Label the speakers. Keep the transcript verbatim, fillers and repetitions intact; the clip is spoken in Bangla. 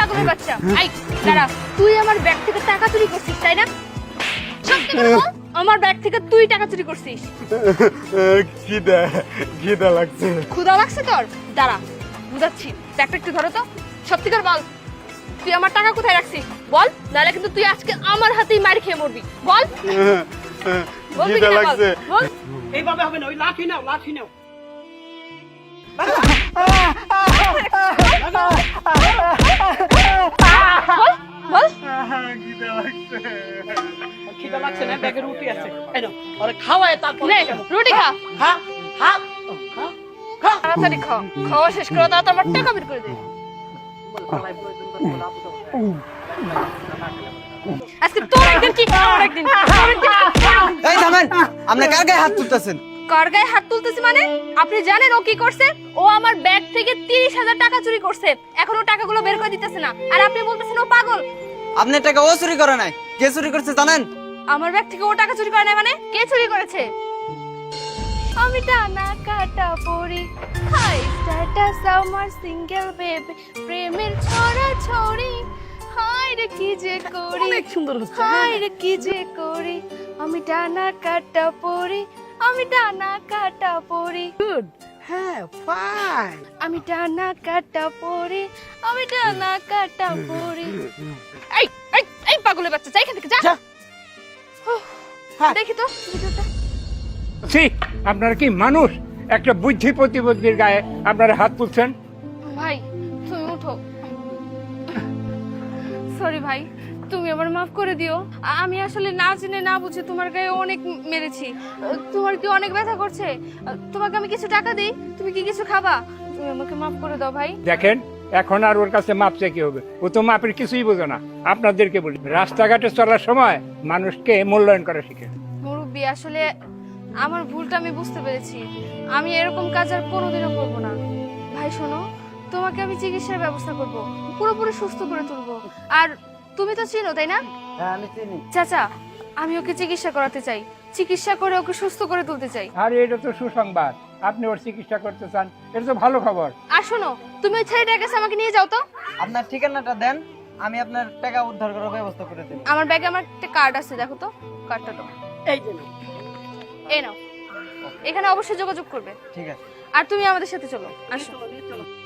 Speaker 1: পাগলের বাচ্চা, আই দাঁড়া, তুই আমার ব্যাগ থেকে টাকা চুরি করছিস তাই না? সত্যি করে বল, আমার ব্যাগ থেকে তুই টাকা চুরি করছিস?
Speaker 2: খিদা খিদা লাগছে।
Speaker 1: ক্ষুধা লাগছে তোর? দাঁড়া বুঝাচ্ছি, ব্যাগটা একটু ধরো তো। সত্যি করে বল, তুই আমার টাকা কোথায় রাখছিস? বল, নাহলে কিন্তু তুই আজকে আমার হাতেই মার খেয়ে মরবি। বল, বলবি
Speaker 2: খিদা
Speaker 1: কিনা বল,
Speaker 2: লাগছে।
Speaker 1: বল।
Speaker 3: এইভাবে হবে না, ওই লাঠি নাও, লাঠি নাও।
Speaker 1: বল, বল।
Speaker 2: খিদা লাগছে।
Speaker 3: খিদা লাগছে না, ব্যাগে রুটি আছে, এই নাও, ওরে খাওয়ায় তারপর
Speaker 1: নে, রুটি খা,
Speaker 3: খা খা খা খা।
Speaker 1: তাড়াতাড়ি খা, খাওয়া শেষ করে তাড়াতাড়ি আমার টাকা বের করে দে। আজকে তোর একদিন কি আমার একদিন, তোর একদিন কি-
Speaker 4: এই থামেন, আপনি কার গায়ে হাত তুলতেছেন?
Speaker 1: কার গায়ে হাত তুলতেছি মানে? আপনি জানেন ও কি করছে? ও আমার ব্যাগ থেকে তিরিশ হাজার টাকা চুরি করছে, এখনো টাকাগুলো বের করে দিতেছে না, আর আপনি বলতেছেন ও পাগল।
Speaker 4: আপনার টাকা ও চুরি করে নাই, কে চুরি করছে জানেন?
Speaker 1: আমার ব্যাগ থেকে ও টাকা চুরি করে না মানে? কে চুরি করেছে? আমি টানা কাটা পড়ি, হাই স্ট্যাটাস আমার সিঙ্গেল বেবি, প্রেমের ছড়া ছড়ি, হাই রে কি যে করি,
Speaker 3: অনেক সুন্দর হচ্ছে।
Speaker 1: হাই রে কি যে করি, আমি টানা কাটা পড়ি, আমি টানা কাটা পড়ি,
Speaker 3: গুড, হ্যাঁ, ফাইন।
Speaker 1: আমি টানা কাটা পড়ি, আমি টানা কাটা পড়ি। এই এই এই পাগলের বাচ্চা, যাই এখান থেকে যা।
Speaker 3: যা।
Speaker 1: উফ,
Speaker 3: হ্যাঁ।
Speaker 1: দেখি তো ভিডিওটা।
Speaker 5: ছি, আপনারা কি মানুষ? একটা বুদ্ধি প্রতিবন্ধীর গায়ে আপনারা হাত তুলছেন?
Speaker 1: ভাই তুমি উঠো। সরি ভাই, তুমি আমার মাফ করে দিও। আ- আমি আসলে না জেনে না বুঝে তোমার গায়ে অনেক মেরেছি। আহ, তোমার কি অনেক ব্যথা করছে? আহ, তোমাকে আমি কিছু টাকা দিই, তুমি কি কিছু খাবা? তুমি আমাকে মাফ করে দাও ভাই।
Speaker 5: দেখেন, এখন আর ওর কাছে মাপ চাই কি হবে? ও তো মাপের কিছুই বোঝে না। আপনাদেরকে বলি, রাস্তাঘাটে চলার সময় মানুষকে মূল্যায়ন করা শিখে।
Speaker 1: মুরব্বি, আসলে আমার ভুলটা আমি বুঝতে পেরেছি। আমি এরকম কাজ আর কোনোদিনও করবো না। ভাই শোনো, তোমাকে আমি চিকিৎসার ব্যবস্থা করব, পুরোপুরি সুস্থ করে তুলবো। আর তুমি তো চিনো তাই না?
Speaker 4: হ্যাঁ আমি চিনি।
Speaker 1: চাচা, আমি ওকে চিকিৎসা করাতে চাই, চিকিৎসা করে ওকে সুস্থ করে তুলতে চাই।
Speaker 5: আর এটা তো সুসংবাদ, আপনি ওর চিকিৎসা করতে চান, এটা তো ভালো খবর।
Speaker 1: আর শোনো, তুমি ওই ছেলেটার কাছে আমাকে নিয়ে যাও তো।
Speaker 4: আপনার ঠিকানাটা দেন, আমি আপনার টাকা উদ্ধার করার ব্যবস্থা করে দেব।
Speaker 1: আমার ব্যাগে আমার একটা কার্ড আছে, দেখো তো কার্ডটা তো।
Speaker 3: এই যে নাও।
Speaker 1: এই নাও, এখানে অবশ্যই যোগাযোগ করবে।
Speaker 4: ঠিক আছে।
Speaker 1: আর তুমি আমাদের সাথে চলো, আসো।
Speaker 3: চলো, চলো।